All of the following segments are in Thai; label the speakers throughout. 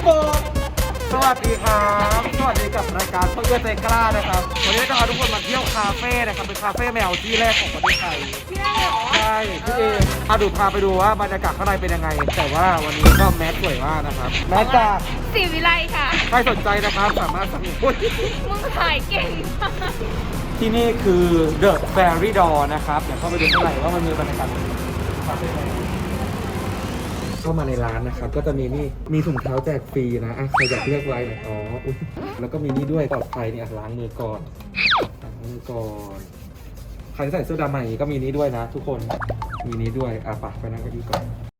Speaker 1: ผมสวัสดีครับสวัสดีกับรายการเพื่อนใจกล้านะครับวันนี้จะพาทุกคนมาเที่ยวคาเฟ่นะครับเป็นคาเฟ่แมวที่แรกของประเทศไทย
Speaker 2: ที่ได้เหรอ
Speaker 1: ใช่พี่เอพาไปดูว่าบรรยากาศข้างในเป็นยังไงแต่ว่าวันนี้ก็แมสสวยมากนะครับแมสจาก
Speaker 2: สีวิไลค่ะ
Speaker 1: ใครสนใจนะครับสามารถสั่งอุ๊ย
Speaker 2: มึงขายเก่งมาก
Speaker 1: ที่นี่คือ The Fairy Door นะครับเดี๋ยวเข้าไปดูข้างในว่ามันมีบรรยากาศคาเฟ่ไหนเข้ามาในร้านนะครับก็จะมีถุงเท้าแจกฟรีนะใครอยากเลือกไว้นะอุ๊ยแล้วก็มีนี่ด้วยปลอดภัยเนี่ยล้างมือก่อนใครใส่เสื้อดำมาอย่างนี้ก็มีนี้ด้วยนะทุกคนมีนี้ด้วยไปนั่งกันดีก่อน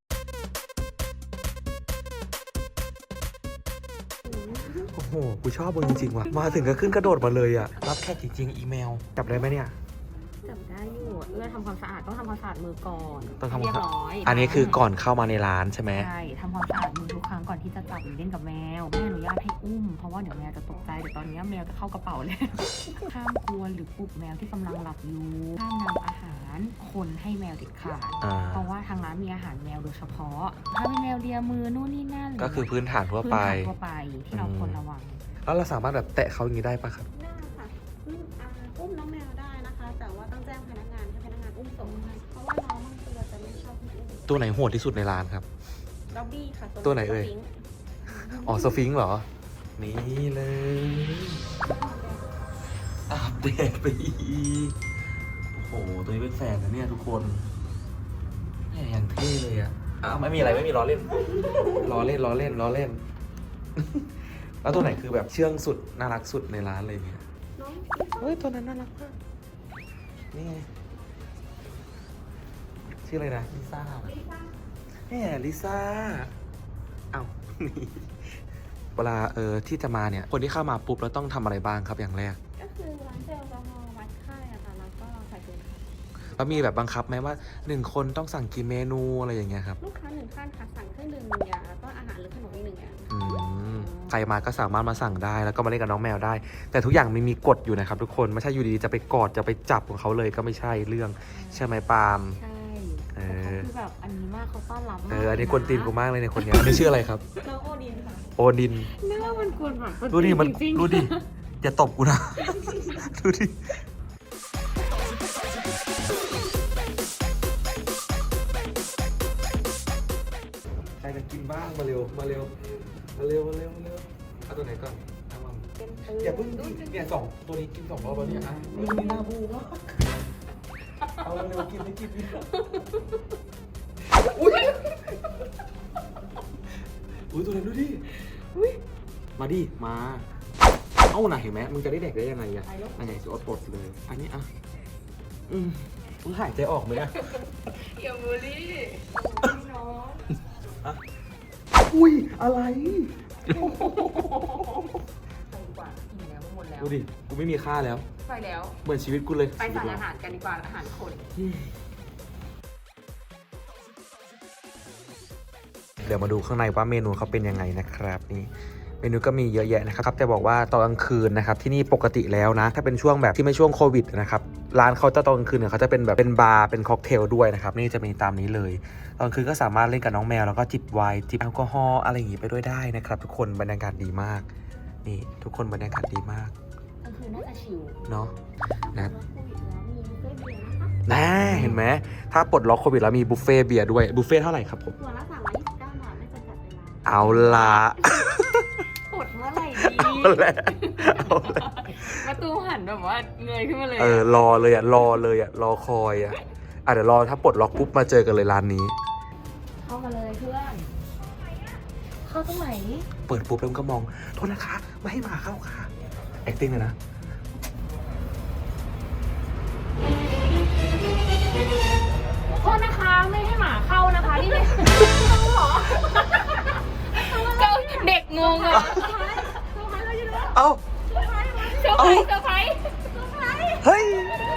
Speaker 1: โอ้โหกูชอบมึงจริงๆว่ะมาถึงก็ขึ้นกระโดดมาเลยอ่ะรับแค่จริงๆอีเมลจับได้ไหมเนี่ย
Speaker 2: จับได้อยู่เอื้อทำความสะอาดต้องทำความสะอาดมือก่อน
Speaker 1: ต้องทำความสะอาด
Speaker 2: เรียบร้อย
Speaker 1: อันนี้คือก่อนเข้ามาในร้านใช่ไหม
Speaker 2: ใช่ทำความสะอาดมือทุกครั้งก่อนที่จะจับหรือเล่นกับแมวไม่อนุญาตให้อุ้มเพราะว่าเดี๋ยวแมวจะตกใจเดี๋ยวตอนนี้แมวจะเข้ากระเป๋าเลย ห้ามกวนหรือปลุกแมวที่กำลังหลับอยู่ห้ามนำอาหารคนให้แมวเด็ดขาดเพราะว่าทางร้านมีอาหารแมวโดยเฉพาะถ้าเป็นแมวเลียมือนู่นนี่นั่น
Speaker 1: ก็คือพื้นฐานทั่วไป
Speaker 2: ที่เราควรระวัง
Speaker 1: แล้วเราสามารถแบบแตะเขาอย่างนี้ได้ปะครับ
Speaker 3: ได้ค่ะอุ้มน้องแมวได้นะคะ แต่ว่าต้องแจ้งพนักงานให้พนักงานอุ้มส่งให้เพราะว่าน้องบางตัวจะไม่ชอบให้อุ้ม
Speaker 1: ตัวไหนโหดที่สุดในร้านครับ
Speaker 3: ด็อบบี้ค่ะ
Speaker 1: ตัวไหนเอ่ยอ๋อสฟิงค์เหรอนี่เลยอัปเดตไปอีกโอ้โหตัวนี้เป็นแฟนนะเนี่ยทุกคนเนี่ยอย่างเท่เลยอ่ะไม่มีอะไรไม่มีล้อเล่นแล้วตัวไหนคือแบบเชื่องสุดน่ารักสุดในร้านเลยเนี่ยเฮ้ยตัวนั้นน่ารักมากนี่ไงชื่ออะไรนะลิซ่าเนี่ยลิซ่าเอ้านี่เวลาที่จะมาเนี่ยคนที่เข้ามาปุ๊บแล้วต้องทำอะไรบ้างครับอย่างแรก
Speaker 3: ก็คือล้างเจลแอลกอฮอล์วัดไข้อะค่ะแล้วก็ใส่ถุงเท้า
Speaker 1: แล้วมีแบบบังคับไหมว่า1คนต้องสั่งกี่เมนูอะไรอย่างเงี้ยครับ
Speaker 3: ลูกค้า1ท่านค่ะสั่งเครื่องดื่ม1อย่างแล้วก็อาหารหรือขนมอีก1อย่าง
Speaker 1: ใครมาก็สามารถมาสั่งได้แล้วก็มาเล่นกับน้องแมวได้แต่ทุกอย่างมีกฎอยู่นะครับทุกคนไม่ใช่อยู่ดีๆจะไปกอดจะไปจับของเขาเลยก็ไม่ใช่เรื่องใช่ไหมปาล์ม
Speaker 2: ใช่คือแบบอันนี้มากเขาต้อนรับมาก
Speaker 1: อันนี้กวนตีนกูมากเลยในคนนี้อันนี้ชื่ออะไรครับ
Speaker 3: น้องโอดินค่ะ
Speaker 1: โอดิน
Speaker 2: เนื้อมันกวนแบบ
Speaker 1: ดูดิมันดูดิอย่าตบกูนะดูดิใครจะกินบ้างมาเร็วเอาตัวไหนก่อนเอามาอย่าเพิ่งเนี่ยตัวนี้กิน2 รอบแล้วเนี่ยนี่หน้าบูมากเอาเร็วกินอุ้ยตัวนั้นดูดิมาดิมาเอาหน่ะเห็นไหมมึงจะได้เด็กได้ยังไงอะอันไหนจะอดปลดเลยอันนี้มึงหายใจออกไหมอะ
Speaker 2: อย่าบูลลี่น้อง
Speaker 1: อุ้ยอะไรดูดิกูไม่มีค่าแล้ว
Speaker 2: ไปแล้ว
Speaker 1: เหมือนชีวิตกูเลย
Speaker 2: ไปสั่งอาหารกันดีกว่าอาหารคน
Speaker 1: เดี๋ยวมาดูข้างในว่าเมนูเขาเป็นยังไงนะครับนี่เมนูก็มีเยอะแยะนะครับแต่บอกว่าตอนกลางคืนนะครับที่นี่ปกติแล้วนะถ้าเป็นช่วงแบบที่ไม่ช่วงโควิดนะครับร้านเขาจะตอนกลางคืนเนี่ยเขาจะเป็นแบบเป็นบาร์เป็นค็อกเทลด้วยนะครับนี่จะมีตามนี้เลยตอนกลางคืนก็สามารถเล่นกับน้องแมวแล้วก็จิบไวน์จิบแอลกอฮอล์อะไรอย่างงี้ไปด้วยได้นะครับทุกคนบรรยากาศดีมากนี่ทุกคนบรรยากาศดีมาก
Speaker 2: ก็คือน่าจะชิล
Speaker 1: เนาะนะเห็นไหมถ้าปลดล็อกโควิดแล้วมีบุฟเฟ่เบียร์ด้วยบุฟเฟ่เท่าไหร่ครับผม
Speaker 3: ตัวละ329 บาทไม่จำกัดเวลา
Speaker 1: เอาละ
Speaker 2: ปลดเมื่อไหร่ดีประตูหันแบบว่าเงยขึ้นมาเลย
Speaker 1: รอเลยรอคอยเดี๋ยวรอถ้าปลดล็อกปุ๊บมาเจอกันเลยร้านนี้
Speaker 2: เข้ามาเลยเพื่อนเข้าตรงไหน
Speaker 1: เปิดปุ๊บแล้วก็มองโทษนะคะไม่ให้หมาเข้าค่ะ acting เลยนะ
Speaker 2: โทษนะคะไม่ให้หมาเข้านะคะนี่เลยหรอก็เด็กงงอ่ะ
Speaker 1: เอ้า
Speaker 2: เซอร์ไพรส์
Speaker 1: เฮ้ย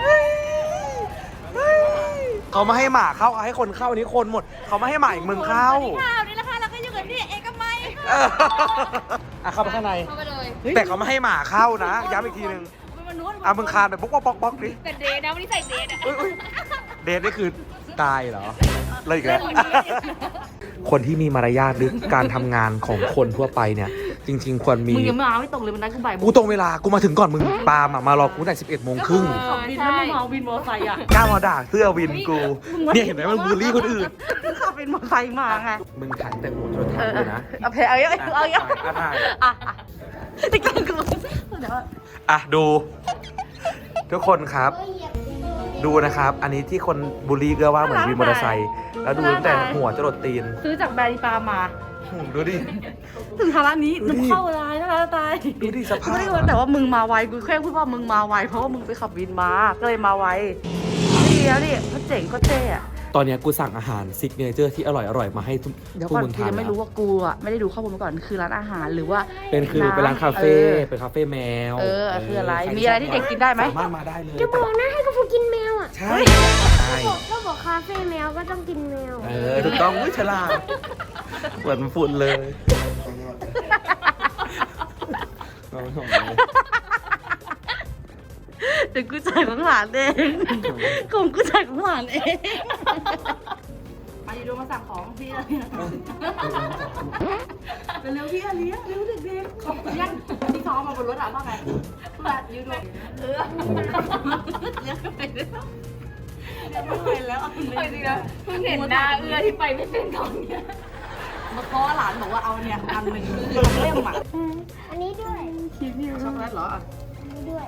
Speaker 1: เขาไม่ให้หมาเข้าให้คนเข้านี้คนหมดเขาไม่ให้หมาอีกมึงเข้า
Speaker 2: นี่แหละค่ะเราก็อยู่กันที่เอกมัย
Speaker 1: เข้าไปข้างใน
Speaker 2: เข้าไปเลย
Speaker 1: แต่เขาไม่ให้หมาเข้านะย้ำอีกทีนึงมึงคานแบบป๊อกดิ
Speaker 2: แต่เดทนะวันนี้ใส่เดท
Speaker 1: เดทนี่คือตายเหรอเลยอีกแล้วคนที่มีมารยาทหรือการทำงานของคนทั่วไปเนี่ยจริงๆควรมี
Speaker 2: มึงยังไม่ตรงเลยมันได้กูบ่ายโมง
Speaker 1: กูตรงเวลากูมาถึงก่อนมึงปาล์มอะมารอกูตั้งแต่11 โมงครึ่ง
Speaker 2: ขับวินแล้วมึงเอาวินมอเตอร์ไซค์อ่ะ
Speaker 1: กล้ามาด่าเสื้อวินกูเนี่ยเห็นไหมมันบูลลี่คนอื่น
Speaker 2: ขับวินมอเตอร์ไซค์มาไง
Speaker 1: มึงถ่ายแต่หัวจนเท้าเลยนะ
Speaker 2: เอาเพลเอาเยอะเอาเยอะ
Speaker 1: ถ่าย
Speaker 2: ติ๊กต๊อกกูเดี๋ยว
Speaker 1: อ่ะดู ทุกคนครับ ดูนะครับ อันนี้ที่คนบูลลี่ก็ว่าเหมือนวินมอเตอร์ไซค์แล้วดูตั้งแต่หัวจรดตีน
Speaker 2: ซื้อจากแบรนด์ปามา
Speaker 1: ดูดิ
Speaker 2: ถึงฐานะนี้
Speaker 1: ดู
Speaker 2: มึ
Speaker 1: ดิ
Speaker 2: งเข้าร้ายนะคะตาย
Speaker 1: ดูดิสภาพ
Speaker 2: ไม่ได้ว่าแต่ว่ามึงมาไวกูแค่พูดว่ามึงมาไวเพราะว่ามึงไปขับวินมาก็เลยมาไวดีแล้วดิเขาเจ๋งเขาเท่อะ
Speaker 1: ตอนเนี้ยกูสั่งอาหารซิกเนเจอร์ที่อร่อยๆมาให้ทุก
Speaker 2: เดี๋ยว
Speaker 1: พว
Speaker 2: ก่
Speaker 1: ก
Speaker 2: อน
Speaker 1: มึง
Speaker 2: กู
Speaker 1: ทาน
Speaker 2: ยังไม่รู้ว่ากูอ่ะไม่ได้ดูข้อมูลมาก่อนคือร้านอาหารหรือว่า
Speaker 1: เป็นร้านคาเฟ่เป็นคาเฟ่แมว
Speaker 2: คืออะไร
Speaker 1: ใค
Speaker 2: มีอะไรที่เด็กกินได้ไหม
Speaker 1: สามารถมาได้เลย
Speaker 4: จะบอกนะให้กระฟูกินแมวอ่ะ
Speaker 1: ใช่ใช่
Speaker 4: ก็บอกคาเฟ่แมวก็ต้องกินแมว
Speaker 1: ถูกต้องอุ้ยฉลาดเหมือนฝุ่นเลยเราไม่ส่งเลย
Speaker 2: เดี๋ยวกูจ่ายของหลานเองของกูจ่ายของหลานเองมาดีดูมาสั่งของพี่อะไรเร็วพี่เลี้ยงเร็วเด็กๆของเลี้ยงที่เขาเอามาบนรถอ่ะว่าไงแบบยูดูเลี้ยงไปแล้วไม่ไหวแล้วจริงนะเพิ่งเห็นหน้าเอื้อที่ไปไม่เป็นตอนเนี้ยเพราะว่าหลานบอกว่าเอาเนี่ยอันหนึ่งคือเล่มอ่ะ
Speaker 4: อันนี้ด้วย
Speaker 2: ช็อกโกแลตเหรอ
Speaker 4: อันนี้ด้วย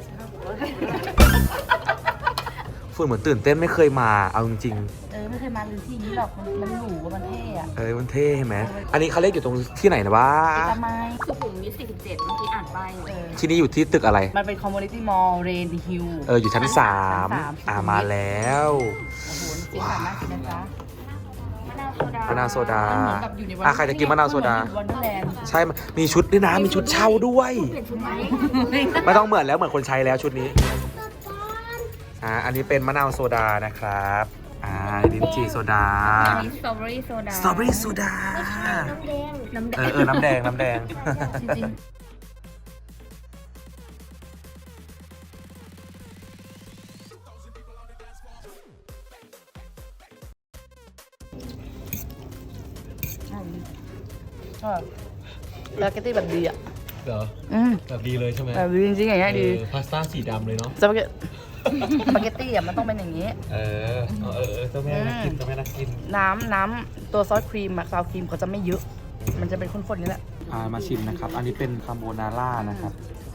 Speaker 1: ฝุ่นเหมือนตื่นเต้นไม่เคยมาเอาจริง
Speaker 2: ไม่เคยมาลือที่นี้หรอกมันหรูมันเท่อะ
Speaker 1: ๆมันเท่เห็นไหมอันนี้เขาเรียกอยู่ตรงที่ไหนนะวะ
Speaker 2: ทำไมสุขุมวิท47เมื่อกี้อ่านไป
Speaker 1: ที่นี่อยู่ที่ตึกอะไร
Speaker 2: มันเป็นคอมมูนิตี้มอลล์เรนดิฮิล
Speaker 1: อยู่ชั้น3มาแล้ว
Speaker 2: โอ้โหจริงๆน่ากินนะจ๊ะมะนาวโซดาม
Speaker 1: ะนาวโซดา
Speaker 2: เหมือนกับอยู่ในวัน
Speaker 1: ใครจะกินมะนาวโซดา
Speaker 2: วันเดอร์แลนด์
Speaker 1: ใช่มีชุดด้วยนะมีชุดเช่าด้วย
Speaker 4: เปลี่ยนชุดไหม
Speaker 1: ไม่ต้องเหมือนแล้วเหมือนคนใช้แล้วชุดนี้อันนี้เป็นมะนาวโซดานะครับลิ้นจี่โซดา
Speaker 2: อันนี้สตรอเบอรี่โซดา
Speaker 1: สตรอเบอรี่โซดา
Speaker 4: น้ำแดง
Speaker 1: น้ำแดงน้ำแดง
Speaker 2: จริงสปาเกตตี้แบบดีอ่ะ
Speaker 1: เหรอ แบบดีเลยใช่ไหม
Speaker 2: แบบดีจริงๆอย่างเงี้ยดี
Speaker 1: พาสต้าสีดำเลยเนาะ
Speaker 2: สปาเกตตี้อ่ะมันต้องเป็นอย่างนี้
Speaker 1: เจ้าแม่น่ากินเจ้าแม่น่ากิน
Speaker 2: น้ำตัวซอสครีมอะซาวครีมเขาจะไม่เยอะ มันจะเป็นข้นๆนี่แหละ
Speaker 1: มาชิมนะครับ อันนี้เป็นคาโบนาร่านะครับ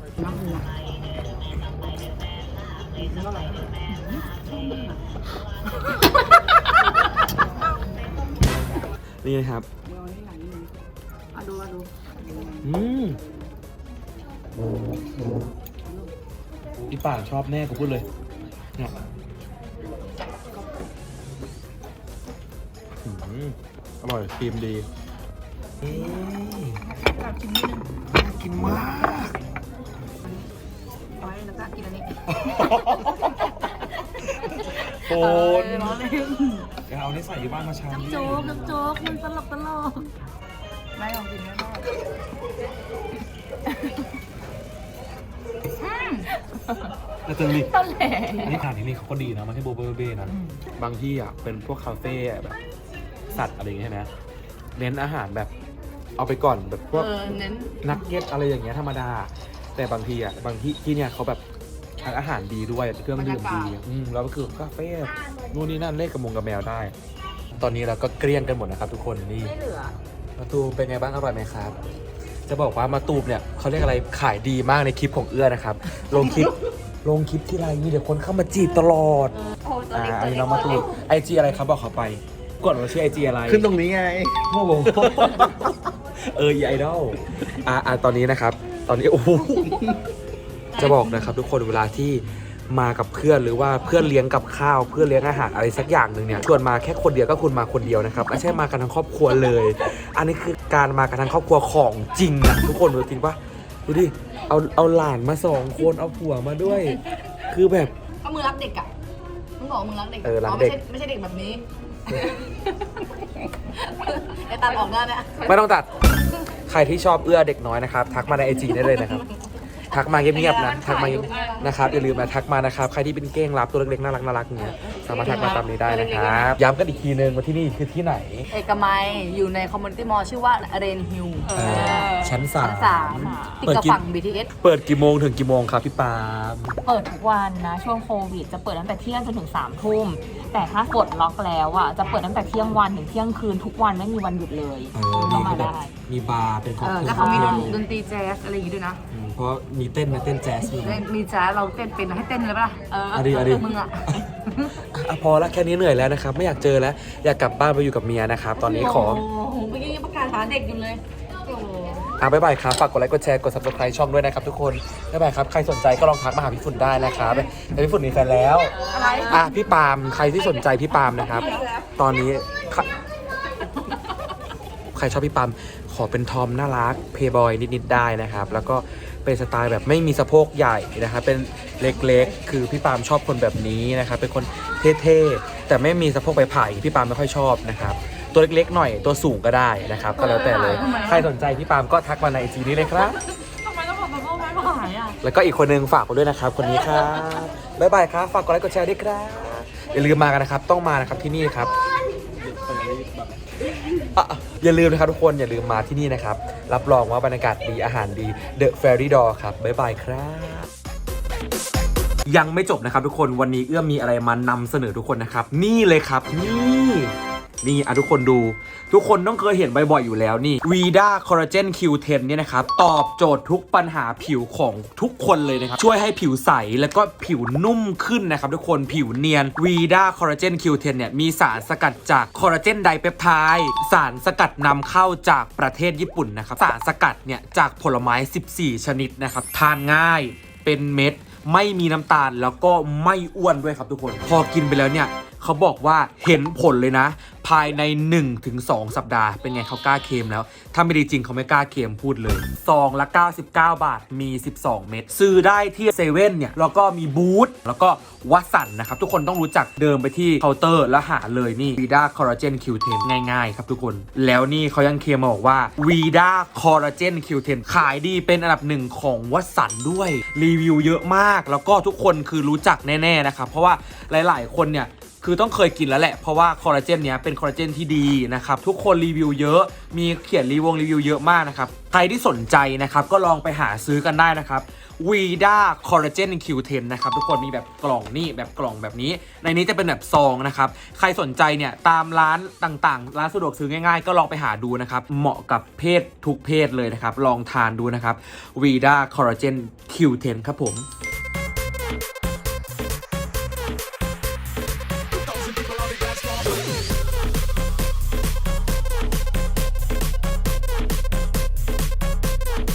Speaker 1: นี่นะครับ
Speaker 2: ดู
Speaker 1: พี่ป่านชอบแน่กูพูดเลยเนี่ยอร่อยครีมดีน่ากินมาก
Speaker 2: เอาไว้แล้วก็กินอันนี้
Speaker 1: โฟนเดี๋ยวเอานี่ใส่อยู่บ้านมาชามนี้
Speaker 2: โจ๊กมันตลกไม่ลองกินไม่ได้
Speaker 1: แต่ตึงดิ
Speaker 2: ต้นแหล่
Speaker 1: นี่ทานที่นี่เขาก็ดีนะมันให้โบเบอร์เบ้นะบางที่อ่ะเป็นพวกคาเฟ่แบบสัตว์อะไรอย่างเงี้ยใช่ไหมเน้นอาหารแบบเอาไปก่อนแบบพวก
Speaker 2: เน้น
Speaker 1: นักเก็ตอะไรอย่างเงี้ยธรรมดา แต่บางทีอ่ะบางที่เนี่ยเขาแบบทั้งอาหารดีด้วยเครื่องดื่มดีแล้วก็คือกาแฟนู่นนี่นั่นเล่นกับกับแมวได้ ตอนนี้เราก็เกลี้ยงกันหมดนะครับทุกคนนี่
Speaker 2: ไม่เหลือ
Speaker 1: มาตูมเป็นไงบ้างอร่อยไหมครับ จะบอกว่ามาตูมเนี่ยเขาเรียกอะไรขายดีมากในคลิปของเอื้อนะครับลงคลิปที่ไรมีเดี๋ยวคนเข้ามาจีบตลอดอันนี้น้องมาตูมไอจีอะไรครับบอกเขาไปกดว่าชื่อไอจีอะไร
Speaker 5: ขึ้นตรงนี้ไง
Speaker 1: โอ้โหอีไอดอลตอนนี้นะครับ ตอนนี้โอ้โหจะบอกนะครับทุกคนเวลาที่มากับเพื่อนหรือว่าเพื่อนเลี้ยงกับข้าวเพื่อนเลี้ยงอาหารอะไรสักอย่างหนึ่งเนี่ยชวนมาแค่คนเดียวก็คุณมาคนเดียวนะครับไม่ใช่มากันทั้งครอบครัวเลย อันนี้คือการมากันทั้งครอบครัวของจริงอะทุกคนดูจริงปะดูดิเอาหลานมา2 คนเอาผัวมาด้วย คือแบบ
Speaker 2: เอามือรักเด็กอ่ะมึงบอกมือรักเด็ก
Speaker 1: รักเด็ก
Speaker 2: ไม่ใช่เด็กแบบนี้ไอ้ตัดออกได้นะ
Speaker 1: ไม่ต้องตัดใครที่ชอบเอื้อเด็กน้อยนะครับทักมาในไอจีได้เลยนะครับทักมาเงียบๆนะทักมานะครับอย่าลืมนะทักมานะครับใครที่เป็นเก้งรับตัวเล็กๆน่ารักๆเนี้ยสามารถทักมาตามนี้ได้นะครับย้ำกันอีกทีนึงว่าที่นี่คือที่ไหน
Speaker 5: เอกมัยอยู่ในคอมมูนิตี้มอลล์ชื่อว่าเรนฮิล
Speaker 1: ชั้น
Speaker 5: ชั้น
Speaker 1: 3
Speaker 5: ติดกับฝั่ง BTS
Speaker 1: เปิดกี่โมงถึงกี่โมงครับพี่ปาล์ม
Speaker 2: เปิดทุกวันนะช่วงโควิดจะเปิดตั้งแต่เที่ยงจนถึง3 ทุ่มแต่ถ้าปลดล็อกแล้วอ่ะจะเปิดตั้งแต่เที่ยงวันถึงเที่ยงคืนทุกวันไม่มีวันหยุดเลย
Speaker 1: นี่
Speaker 2: เข้า
Speaker 1: คื
Speaker 2: มา
Speaker 1: อแบบ
Speaker 2: ได้
Speaker 1: มีบาร์เป็นค็อกเทล
Speaker 5: แล้วเขามีดนตรีแจ๊สอะไรอย่างงี้ด้วยนะ
Speaker 1: เพราะมีเต้นนะเต้นแจ๊สมี
Speaker 5: มีแจ๊สเราเต้นเป็นให้เต้นเลยปะล่ะ
Speaker 1: เอาดิ
Speaker 5: มึงอ่ะ
Speaker 1: อ่ะพอละแค่นี้เหนื่อยแล้วนะครับไม่อยากเจอแล้วอยากกลับบ้านไปอยู่กับเมียนะครับตอนนี้ขอ
Speaker 5: โอ้โหเมื่อกี้ยังประกาศหาเด็กอยู่เลยโอ้โห
Speaker 1: บ๊ายบายครับฝากกดไลค์กดแชร์กด subscribe ช่องด้วยนะครับทุกคนบ๊ายบายครับใครสนใจก็ลองทักมาหาพี่ฝุ่นได้นะครับแต่พี่ฝุ่นมีแฟนแล้ว
Speaker 5: อะไร
Speaker 1: พี่ปาล์มใครที่สนใจพี่ปาล์มนะครับ ตอนนี้ใครชอบพี่ปาล์มขอเป็นทอมน่ารักเพย์บอยนิดๆได้นะครับแล้วก็เป็นสไตล์แบบไม่มีสะโพกใหญ่นะครับเป็นเล็กๆคือพี่ปาล์มชอบคนแบบนี้นะครับเป็นคนเท่ๆแต่ไม่มีสะโพกใบไผ่พี่ปาล์มไม่ค่อยชอบนะครับตัวเล็กๆหน่อยตัวสูงก็ได้นะครับก็แล้วแต่เลยใครสนใจพี่ปาล์มก็ทักมาในไอจีนี้เลยครับ
Speaker 2: ทำไมต้องบอกแบบว่าไม่หายอ่ะ
Speaker 1: แล้วก็อีกคนนึงฝากไว้ด้วยนะครับคนนี้ครับบ๊ายบายครับฝากกดไลค์กดแชร์ด้วยครับอย่าลืมมากันนะครับต้องมานะครับที่นี่ครับอย่าลืมนะครับทุกคนอย่าลืมมาที่นี่นะครับรับรองว่าบรรยากาศดีอาหารดี The Fairy Door ครับบ๊ายบายครับยังไม่จบนะครับทุกคนวันนี้เอื้อมมีอะไรมานำเสนอทุกคนนะครับนี่เลยครับนี่ทุกคนดูทุกคนต้องเคยเห็นบ่อยๆอยู่แล้วนี่ Vida Collagen Q10 เนี่ยนะครับตอบโจทย์ทุกปัญหาผิวของทุกคนเลยนะครับช่วยให้ผิวใสแล้วก็ผิวนุ่มขึ้นนะครับทุกคนผิวเนียน Vida Collagen Q10 เนี่ยมีสารสกัดจากคอลลาเจนไดเปปไทด์สารสกัดนำเข้าจากประเทศญี่ปุ่นนะครับสารสกัดเนี่ยจากผลไม้14ชนิดนะครับทานง่ายเป็นเม็ดไม่มีน้ำตาลแล้วก็ไม่อ้วนด้วยครับทุกคนพอกินไปแล้วเนี่ยเขาบอกว่าเห็นผลเลยนะภายใน 1-2 สัปดาห์เป็นไงเขากล้าเคลมแล้วถ้าไม่ดีจริงเขาไม่กล้าเคลมพูดเลยซองละ99 บาทมี12 เม็ดซื้อได้ที่เซเว่นเนี่ยแล้วก็มีบูธแล้วก็วัสันนะครับทุกคนต้องรู้จักเดินไปที่เคาน์เตอร์แล้วหาเลยนี่ Vida Collagen Q10 ง่ายๆครับทุกคนแล้วนี่เขายังเคลมมาบอกว่า Vida Collagen Q10 ขายดีเป็นอันดับหนึ่งของวัสันด้วยรีวิวเยอะมากแล้วก็ทุกคนคือรู้จักแน่ๆนะครับเพราะว่าหลายๆคนเนี่ยคือต้องเคยกินแล้วแหละเพราะว่าคอลลาเจนเนี้ยเป็นคอลลาเจนที่ดีนะครับทุกคนรีวิวเยอะมีเขียนรีวิวเยอะมากนะครับใครที่สนใจนะครับก็ลองไปหาซื้อกันได้นะครับ Vida Collagen Q10 นะครับทุกคนมีแบบกล่องนี่แบบกล่องแบบนี้ในนี้จะเป็นแบบซองนะครับใครสนใจเนี่ยตามร้านต่างๆร้านสะดวกซื้อง่ายๆก็ลองไปหาดูนะครับเหมาะกับเพศทุกเพศเลยนะครับลองทานดูนะครับ Vida Collagen Q10 ครับผม